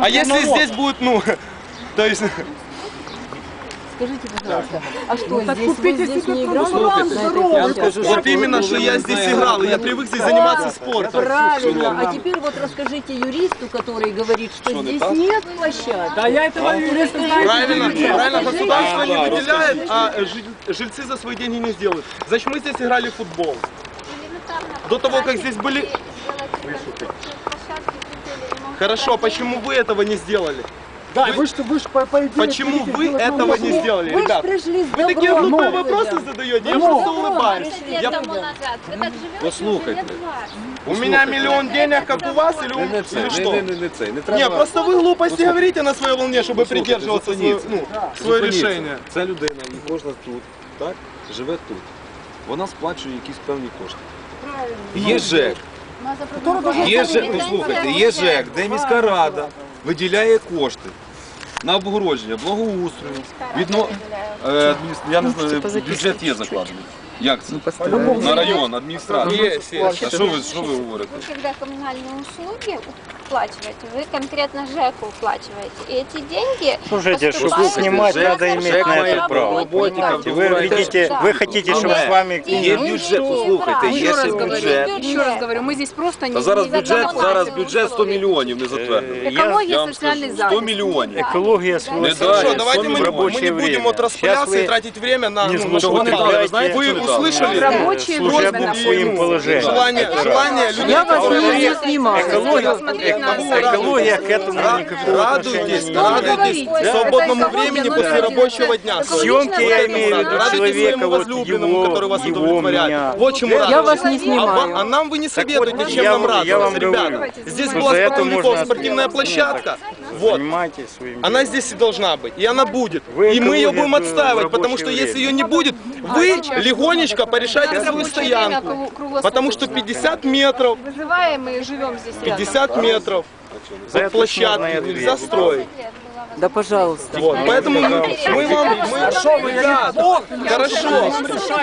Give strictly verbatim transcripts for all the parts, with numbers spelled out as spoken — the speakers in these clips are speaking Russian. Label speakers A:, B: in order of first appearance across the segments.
A: А если здесь будет, ну, то есть...
B: Скажите, пожалуйста, а что,
C: Ну, так
B: здесь, вы
C: купите
B: здесь
C: себе
B: не играли?
C: кругосветку.
B: на этой
C: Здорово,
B: площадке?
A: Вот именно, что я здесь играл, я привык здесь заниматься спортом.
B: Правильно. А теперь вот расскажите юристу, который говорит, что здесь нет площадки.
C: Да я этого юриста знаю.
A: Правильно, правильно, государство не выделяет, а жи- жильцы за свои деньги не сделают. Значит, мы здесь играли в футбол. До того, как здесь были... Хорошо, почему вы этого не сделали?
C: Да, вы что, вы ж по, по идее...
A: Почему
C: хотите
A: вы
C: сделать
A: этого
C: нам
A: не
C: услугу?
A: сделали,
B: Вы ж
A: ребят?
B: пришли с
A: Вы такие
B: добром.
A: глупые
B: Ну,
A: вопросы
B: да.
A: задаете, я
B: Ну,
A: просто
B: ну,
A: улыбаюсь.
B: я-
A: Я-
D: тому назад. Ви так живете,
E: Послухайте.
D: лет двадцять.
A: У меня миллион денег, как у вас, или, у...
E: Не це,
A: или
E: не,
A: что?
E: не, не, не це. Не треба.
A: Не, просто вы глупости говорите на своей волне, чтобы
E: Послухайте,
A: придерживаться свое,
E: зупиніться.
A: ну, свое
E: Зупиніться.
A: решение.
E: Це людина, і кожна тут, так, живе тут. Вона сплачує якісь певні кошти. Є ЖЕК, є ЖЕК, послухайте, є ЖЕК, де міська рада виділяє кошти на обгородження, благоустрою, відно... е, адміністр- я не знаю, бюджет є закладений. Як це? На район, адміністрацію.
A: Є, є.
E: А що ви, що ви говорите?
D: Вы когда коммунальные услуги уплачиваете, вы конкретно ЖЭКу уплачиваете. И эти деньги
F: Слушайте, чтобы
D: поступают
F: снимать,
D: в
F: надо
D: ЖЭК,
F: иметь на это право.
D: работников.
F: Вы видите, вы хотите, чтобы с вами...
E: Є бюджет, послухайте,
D: Еще
E: є
D: раз
E: ще
D: говорю,
E: бюджет.
D: Еще раз говорю, мы здесь просто не...
E: Та зараз
D: не
E: бюджет,
D: законодательные
E: зараз бюджет сто
D: условия.
E: мільйонів не затвердили.
F: Я,
D: Экология,
E: Я вам
D: социальный
E: скажу,
D: захист.
E: сто мільйонів.
F: экология свой.
E: Не
A: Хорошо,
E: дай,
A: давайте мы,
E: в
A: мы
F: рабочее
A: не будем
F: время.
A: вот распыляться
F: Сейчас
A: и
F: вы
A: тратить время на...
F: не
A: ну,
F: злоупотребляйте
A: что вы не дали.
E: Вы знаете,
A: Вы
E: что не дали?
A: услышали?
D: Рабочее
F: служебным
D: время.
F: своим положением.
A: Желание, желание людей,
B: Я вас
A: которые-
B: не снимаю.
F: Экология,
D: Смотреть на
F: экология к этому никакого
A: Радуйтесь,
F: отношения не имеет.
A: радуйтесь
D: Да.
A: свободному
D: Это
A: времени
D: экология,
A: после
D: но
A: рабочего дня.
F: Съемки я имею в виду
A: Радуйтесь
F: человека,
A: своему
F: вот
A: возлюбленному,
F: его,
A: который вас
F: его,
A: удовлетворяет.
F: меня.
A: Вот чему
B: Я
A: радуйтесь.
B: вас не
A: А,
B: снимаю.
A: вам- а нам вы не советуете,
F: вот,
A: чем
F: я
A: нам
F: вам-
A: радоваться,
F: я вам
A: ребята.
F: говорю,
A: Здесь
F: что
A: была
F: за это
A: спортивников
F: можно
A: спортивная
F: сделать.
A: площадка. Вот.
F: Занимайтесь своим
A: Она
F: делом.
A: здесь и должна быть, и она будет.
F: Вы
A: И мы ее
F: экология
A: будем
F: в
A: отстаивать,
F: рабочее
A: потому что если
F: время.
A: ее не будет, вы легонечко порешайте свою
D: Рабочее
A: стоянку.
D: время круглосуточно.
A: Потому что пятьдесят метров,
D: Вызываем и живем здесь рядом.
A: пятьдесят метров
F: За
A: от
F: это можно и
A: площадки
F: ответить.
A: нельзя строить.
B: Да, пожалуйста.
A: Вот, поэтому мы, мы вам, мы, ребят, хорошо.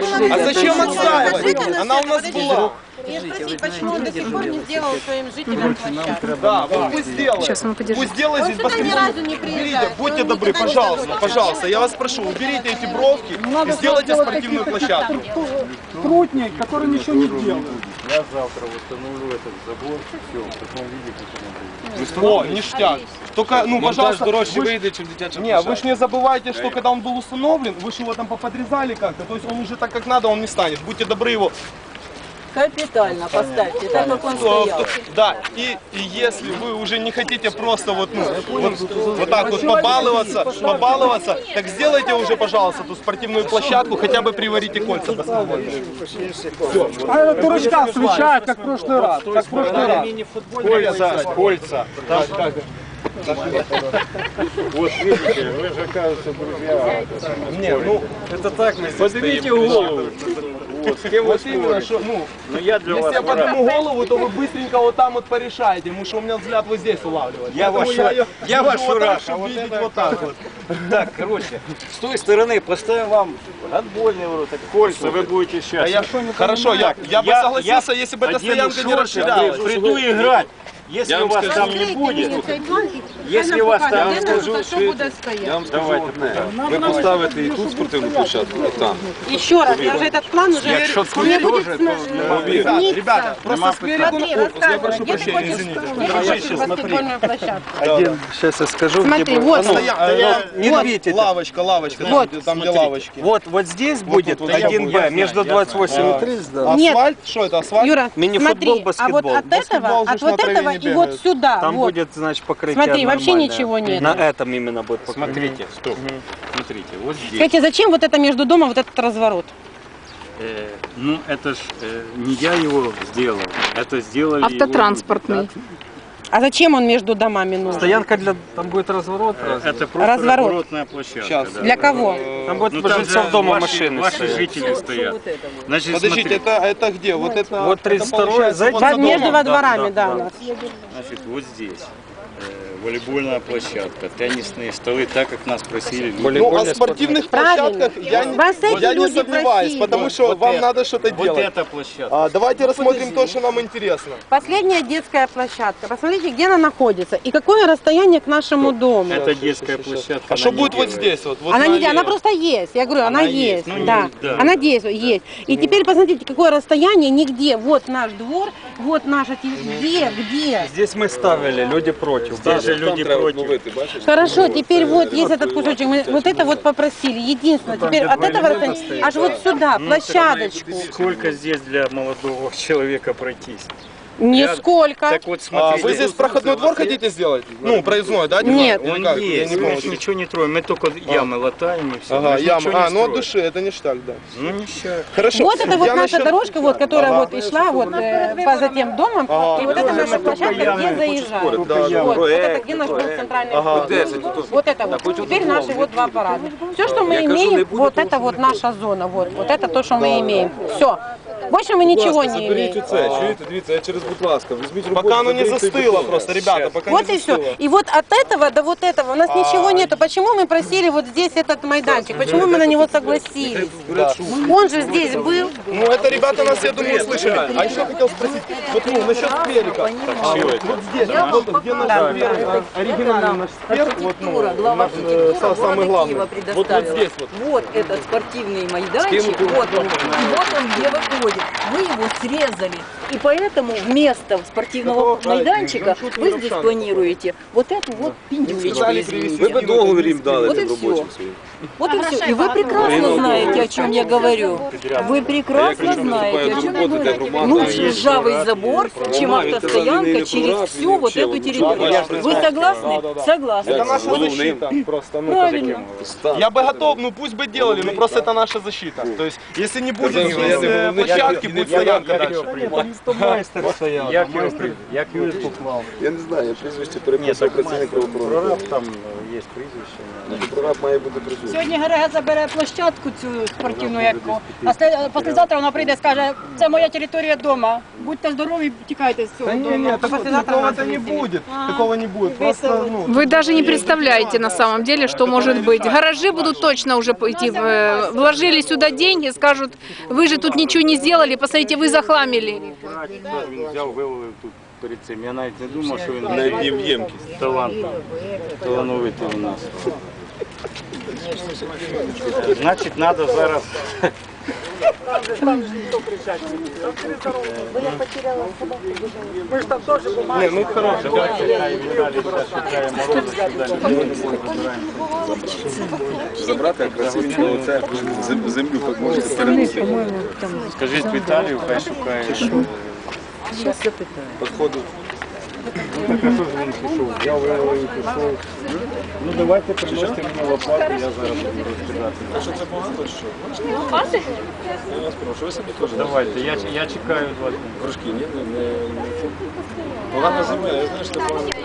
A: А зачем отстаивать? Она у нас была.
G: Почему он до сих пор не сделал своим жителям площадку?
A: Да, вот пусть сделает. Пусть сделает здесь.
G: сюда ни разу не
A: Уберите,
G: приезжает.
A: будьте
G: Он
A: добры,
G: никогда не
A: пожалуйста,
G: делал.
A: пожалуйста, я вас прошу, уберите эти бровки и сделайте спортивную площадку.
C: Трутник, который ничего не делает.
F: Я завтра восстановлю этот забор, все, в таком виде, как он был.
A: О, ништяк. Только, ну, пожалуйста,
E: дорожче
A: вы ж-
E: вийде, чим дитяча
A: Не, вы ж не забывайте, что когда он был установлен, вы же его там поподрезали как-то, то есть он уже так как надо, он не станет. Будьте добры его.
B: Капитально поставьте, так как он
A: э,
B: стоял.
A: Да, и, и если вы уже не хотите просто вот, ну, вот, вот так вот побаловаться, побаловаться, так сделайте уже, пожалуйста, ту спортивную площадку, хотя бы приварите кольца баскетбольные.
C: А этот дурачка встречает, как в прошлый раз. Как в прошлый раз.
F: Кольца, кольца. Вот видите, вы же, кажется, друзья.
A: Не, ну,
F: Это так мы здесь
A: поднимите
F: стоим.
A: голову.
F: Вот, с кем вы
A: Вот именно,
F: спорите?
A: что, ну,
F: Но я для
A: если
F: вас
A: я
F: враг.
A: подниму голову, то вы быстренько вот там вот порешаете, потому что у меня взгляд вот здесь улавливает.
F: Я
A: Поэтому
F: ваш-
A: её
F: я
A: держу
F: ваш
A: вот
F: враг,
A: так,
F: а
A: чтобы
F: вот
A: видеть
F: это-
A: вот так вот.
F: Так, короче, с той стороны поставим вам отбольный ворот, так кольца, вы будете сейчас.
A: А я, хорошо, я, я бы согласился, если бы эта стоянка не расширялась.
F: Приду играть. Если
E: Я
F: у
E: вам
F: вас
E: скажу.
F: там не будет, если у вас там не
E: скажу,
F: будет,
E: що я вам скажу одне. Ви поставите і тут спортивну площадку, і там.
G: Еще раз, я уже этот план уже...
F: якщо тут теж, то нема
A: Ребята,
F: питань.
A: ребята, просто с берегу на
G: Смотри,
A: корпус, я
G: рассказывай,
A: прошу
G: где ты
A: прощения,
G: хочешь,
A: извините.
G: где ты хочешь
F: смотри.
G: баскетбольную площадку?
F: Один, сейчас я скажу,
G: Смотри,
F: где
G: вот,
F: будет.
A: Стоя-
F: Ну,
A: э,
F: не
A: вот
F: рвите.
A: лавочка, лавочка, там,
G: Вот,
A: где- там где
F: смотрите.
A: лавочки.
F: Вот, вот здесь будет
A: вот
F: один
A: я
F: Б, между двадцать восемь и тридцать, да.
G: Нет.
A: Асфальт? Что это, асфальт?
G: Юра,
F: Мини-футбол,
G: смотри, а вот
F: баскетбол.
G: от
A: Баскетбол
G: этого,
A: же
G: от
A: ж на
G: вот
A: траве
G: этого
A: не
G: и вот
A: бегает.
G: сюда,
F: Там
G: вот.
F: будет, значит, покрытие
G: Смотри, вообще
F: нормальное.
G: ничего нет.
F: На этом именно будет покрытие. Смотрите, стоп. Смотрите, вот здесь.
G: Скажите, зачем вот это между домом, вот этот разворот?
F: Э, ну, это ж э, не я его сделал, это сделали его
D: Автотранспортный.
F: люди,
G: А зачем он между домами
F: да.
G: нужен?
F: Стоянка для, там будет разворот. Это просто
G: Разворот.
F: разворотная площадка.
A: Сейчас.
F: Да.
G: Для кого?
F: Там будет
E: Ну,
F: ну,
E: там
F: жильцов
E: же
F: дома
E: ваши-
F: машины
E: ваши
F: стоят.
E: жители стоят.
B: Вот это вот.
E: Значит,
A: Подождите,
E: смотри,
A: это, это где? Вот это,
F: Вот тридцать
A: это
F: второй,
A: получается
F: за-
A: вот
G: Во-
A: за
G: между
A: домом?
G: во дворами, да,
F: да,
G: у нас.
E: значит, вот здесь. Э,
F: волейбольная площадка, теннисные столы, так как нас просили.
A: Ну, о спортивных площадках я, не-
G: Вас эти
A: я не
G: люди
A: сомневаюсь,
G: просили.
A: потому что
F: Вот
A: вам
F: это-
A: надо что-то
F: Вот
A: делать.
F: эта площадка.
A: А, давайте рассмотрим то, что нам интересно.
G: Последняя детская площадка. Посмотрите, где она находится и какое расстояние к нашему дому.
F: Это детская площадка.
A: А что
F: она не
A: будет вот
F: делает.
A: здесь? Вот, вот
G: Она
A: на
G: не, она
A: аллее?
G: просто есть. Я говорю, она,
F: Она
G: есть.
F: есть, ну,
G: да.
F: не- да.
G: Она действует, есть. И теперь посмотрите, какое расстояние нигде. Вот наш двор, вот наша территория. Где, где?
C: Здесь мы ставили, люди против.
F: Здесь же люди против.
G: Хорошо, теперь вот есть этот кусочек. Мы вот это вот попросили. Единственное. Теперь от этого расстояния аж вот сюда, площадочку.
F: Сколько здесь для молодого человека пройтись?
G: Нисколько.
F: Так вот
A: А,
F: смотрите.
A: вы здесь проходной двор хотите сделать? Ну, проездной, да?
G: Нет.
A: Или
F: Он
A: как?
F: есть,
A: Я не
F: мы
A: понял.
F: ничего не троим, мы только ямы латаем и все.
A: Ага,
F: Мы же
A: яма.
F: ничего не
A: А, ну от
F: строим.
A: души, это ништяк, да.
F: Ну ничего.
A: Хорошо.
G: Вот это вот
A: Я
G: наша
A: насчет-
G: дорожка, вот, которая
A: Ага.
G: вот и шла вот э, по за тем домом,
A: Ага.
G: и вот это наша площадка, где заезжали.
A: Да, да.
G: Вот, вот это где наш был центральный
A: Ага.
G: вход. Вот это вот. Теперь наши вот два парада. Все, что мы имеем, вот это вот наша зона. Вот, вот это то, что мы имеем. Все. Больше мы ничего не
E: Заберіть
G: имеем.
E: оце, чуєте, дивіться, я через, будь ласка, візьміть роботу.
A: Пока оно не
E: заберіть цей
A: застыло
E: бетон.
A: просто, ребята, пока
G: Вот
A: не
G: и все.
A: застыло.
G: И вот от этого до вот этого у нас ничего нету. Почему мы просили вот здесь этот майданчик? Почему мы на него согласились? Он же здесь был.
A: Ну, это ребята нас, я думаю, слышали. А еще хотел спросить, вот ну, насчет скверика. А, вот, вот здесь, вот, где наш сквер, а, оригинальный наш сквер, вот, ну,
B: Архитектура, глава
A: наш, э,
B: архитектуры
A: са- самый
B: города
A: главный.
B: Киева
A: Вот, вот
B: предоставила.
A: здесь вот.
B: Вот этот спортивный майданчик, вот он, и вот он где выходит. Вы его срезали. И поэтому вместо спортивного майданчика вы здесь планируете вот эту вот пиндюлечку,
E: Ви
B: извините.
E: б договір їм дали
B: Вот и
E: тим
B: все.
E: робочим своїм.
B: Вот и все. И вы прекрасно знаете, о чем я говорю. Вы прекрасно знаете, о чем я говорю. Лучше ржавый забор, чем автостоянка через всю вот эту территорию. Вы согласны? Согласны.
A: Это наша защита. Просто, ну,
B: Правильно.
A: я бы готов, ну пусть бы делали, но просто это наша защита. То есть, если не будет здесь э, площадки, будет стоянка дальше.
F: Як його при- як його поклав?
E: Я не знаю, я прізвище
F: Ні,
E: переписав
F: так
E: працівник правоохоронного.
F: прораб там е, є прізвище.
E: Прораб має бути присутній.
H: Сьогодні Герега забере площадку цю спортивну, яку, а след- післязавтра вона прийде і скаже, це моя територія вдома. Будьте здорові, тікайте з цього
A: Да не,
H: дому.
A: не, такого-то не будет. Такого не будет. Просто, ну,
I: Вы даже не представляете на самом деле, что может быть. Гаражи будут точно уже идти. в- Вложили сюда деньги, скажут, вы же тут ничего не сделали, посмотрите, вы захламили.
F: Він взяв, вивалив тут перед цим. Я навіть не думав, що він
E: Навіть є ємкість.
F: талант. Талановитий у нас. Значить, треба зараз.
A: не, ну хорошо.
E: Забрати якраз оце зем- землю, як можете перенести.
F: Скажіть Віталію, хай шукає.
E: Підходить.
F: Я вивалив і пішов. Ну давайте приносите мені лопату, я зараз буду розкидати.
E: А що це погано, чи що? Я вас прошу, ви собі теж.
F: Давайте, я, я чекаю два дні.
E: Горшки, ні, не, не, не. Погана земля, я знаю, що це погано.